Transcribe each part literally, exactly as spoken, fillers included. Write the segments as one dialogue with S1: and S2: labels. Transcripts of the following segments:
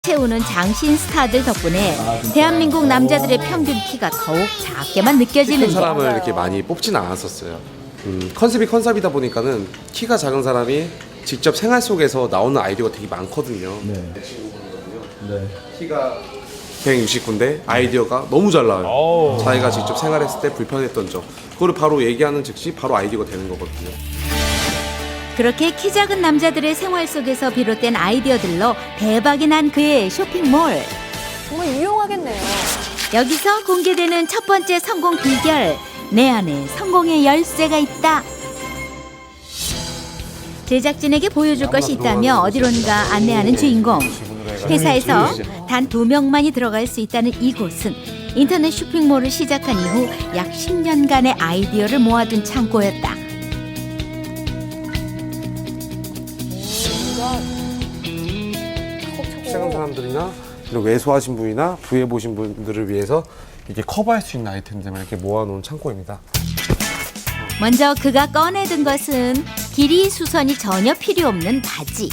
S1: 채우는 장신 스타들 덕분에 대한민국 남자들의 평균 키가 더욱 작게만
S2: 큰
S1: 느껴지는데
S2: 사람을 이렇게 많이 뽑지는 않았었어요. 음, 컨셉이 컨셉이다 보니까는 키가 작은 사람이 직접 생활 속에서 나오는 아이디어가 되게 많거든요.
S3: 네.
S2: 내 친구분이거든요.
S3: 네.
S2: 키가 백육십구인데 아이디어가 너무 잘 나와요.
S3: 오.
S2: 자기가 직접 생활했을 때 불편했던 점 그거를 바로 얘기하는 즉시 바로 아이디어가 되는 거거든요.
S1: 그렇게 키 작은 남자들의 생활 속에서 비롯된 아이디어들로 대박이 난 그의 쇼핑몰.
S4: 정말 유용하겠네요.
S1: 여기서 공개되는 첫 번째 성공 비결. 내 안에 성공의 열쇠가 있다. 제작진에게 보여줄 것이 있다며 어디론가 안내하는 주인공. 회사에서 단 두 명만이 들어갈 수 있다는 이곳은 인터넷 쇼핑몰을 시작한 이후 약 십 년간의 아이디어를 모아둔 창고였다.
S2: 시작한 사람들이나 이런 왜소하신 분이나 부해 보신 분들을 위해서 이렇게 커버할 수 있는 아이템들만 이렇게 모아놓은 창고입니다.
S1: 먼저 그가 꺼내든 것은 길이 수선이 전혀 필요 없는 바지.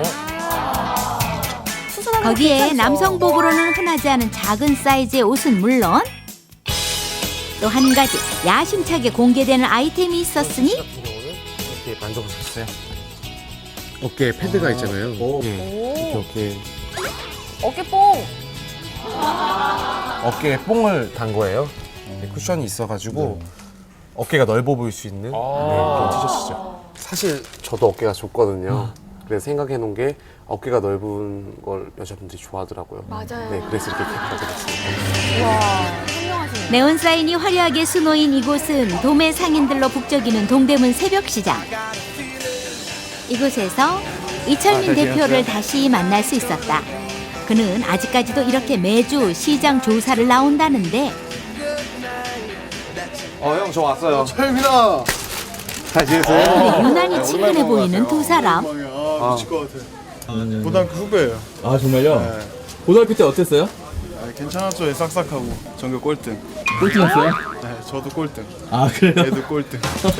S4: 수선하는 거
S1: 거기에
S4: 괜찮죠?
S1: 남성복으로는 흔하지 않은 작은 사이즈의 옷은 물론 또 한 가지 야심차게 공개되는 아이템이 있었으니
S2: 이렇게 만져보셨어요? 어깨에 패드가 있잖아요. 예. 이렇게 어깨에
S4: 어깨뽕.
S2: 어깨에 뽕을 단 거예요. 네, 쿠션이 있어가지고 어깨가 넓어 보일 수 있는 네, 그런 티셔츠죠. 사실 저도 어깨가 좁거든요. 그래서 생각해 놓은 게 어깨가 넓은 걸 여자분들이 좋아하더라고요.
S4: 맞아요.
S2: 네, 그래서 이렇게 가져갔습니다.
S4: 와, 현명하시네.
S1: 네온 사인이 화려하게 수놓인 이곳은 도매 상인들로 북적이는 동대문 새벽시장. 이곳에서 이철민
S2: 아,
S1: 대표를 다시 만날 수 있었다. 그는 아직까지도 이렇게 매주 시장 조사를 나온다는데
S2: 어, 형, 저 왔어요.
S5: 철민아!
S2: 잘 지냈어요?
S1: 근데 유난히 친근해 보이는 두 사람.
S5: 아, 미칠 것 같아. 고등학교 후배예요.
S3: 아 정말요?
S5: 네.
S3: 고등학교 때 어땠어요?
S5: 아, 괜찮았죠. 싹싹하고 전교 꼴등.
S3: 꼴등했어요?
S5: 네, 저도 꼴등.
S3: 아 그래요?
S5: 애도 꼴등.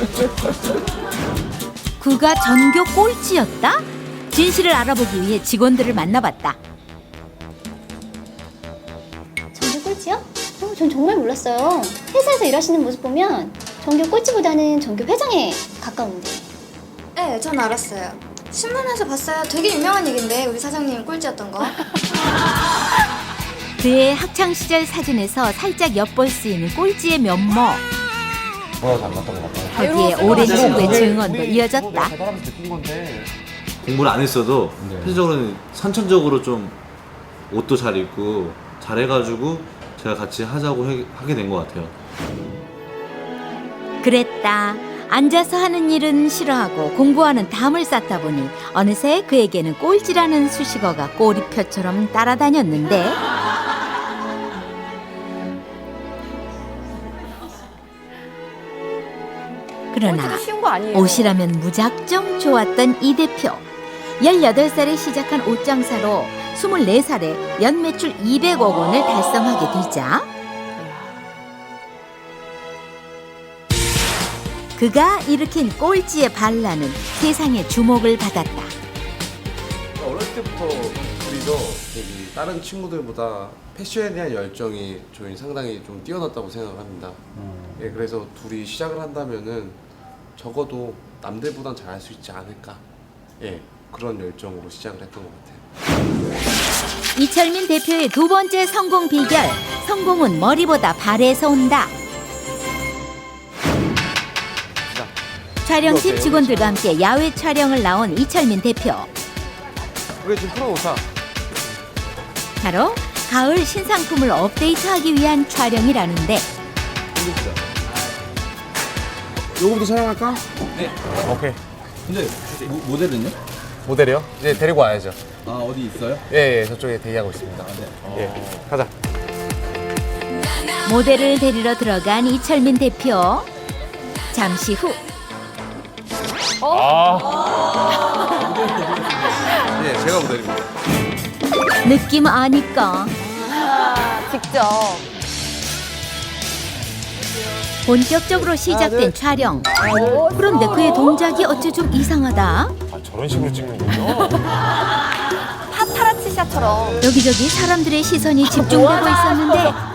S1: 그가 전교 꼴찌였다? 진실을 알아보기 위해 직원들을 만나봤다.
S6: 전교 꼴찌요? 어, 전 정말 몰랐어요. 회사에서 일하시는 모습 보면 전교 꼴찌보다는 전교 회장에 가까운데.
S7: 네, 전 알았어요. 신문에서 봤어요. 되게 유명한 얘긴데 우리 사장님 꼴찌였던 거.
S1: 그의 학창시절 사진에서 살짝 엿볼 수 있는 꼴찌의 면모.
S2: 뭐가 닮았던 것 같아요.
S1: 거기에 오랜 친구의 증언도 이어졌다.
S2: 사람이 느낀 건데.
S8: 공부를 안 했어도 현실적으로는 선천적으로 좀 옷도 잘 입고 잘해가지고 제가 같이 하자고 해, 하게 된 것 같아요.
S1: 그랬다. 앉아서 하는 일은 싫어하고 공부하는 담을 쌓다 보니 어느새 그에게는 꼴찌라는 수식어가 꼬리표처럼 따라다녔는데 그러나
S4: 꼴찌도 쉬운 거 아니에요.
S1: 옷이라면 무작정 좋았던 이 대표. 열여덟 살에 시작한 옷장사로 스물네 살에 연매출 이백억 원을 달성하게 되자 그가 일으킨 꼴찌의 반란은 세상의 주목을 받았다.
S2: 어렸을 때부터 우리도 되게 다른 친구들보다 패션에 대한 열정이 저희 상당히 좀 뛰어났다고 생각을 합니다. 예, 그래서 둘이 시작을 한다면은 적어도 남들보단 잘할 수 있지 않을까. 예, 그런 열정으로 시작을 했던 것 같아요.
S1: 이철민 대표의 두 번째 성공 비결. 성공은 머리보다 발에서 온다. 촬영팀 직원들과 함께 야외 촬영을 나온 이철민 대표.
S2: 우리 지금 풀어놓자.
S1: 바로 가을 신상품을 업데이트하기 위한 촬영이라는데
S2: 요거부터 촬영할까? 네. 오케이.
S3: 근데 모, 모델은요?
S2: 모델이요? 이제 데리고 와야죠.
S3: 아 어디 있어요?
S2: 예, 예, 저쪽에 대기하고 있습니다. 예, 가자.
S1: 모델을 데리러 들어간 이철민 대표. 잠시 후
S2: 예, 제가 모델입니다.
S1: 느낌 아니까
S4: 직접.
S1: 본격적으로 시작된 촬영. 그런데 그의 동작이 어째 좀 이상하다.
S2: 저런 식으로 찍는군요.
S4: 파타라치 헬스장처럼.
S1: 여기저기 사람들의 시선이 집중되고 있었는데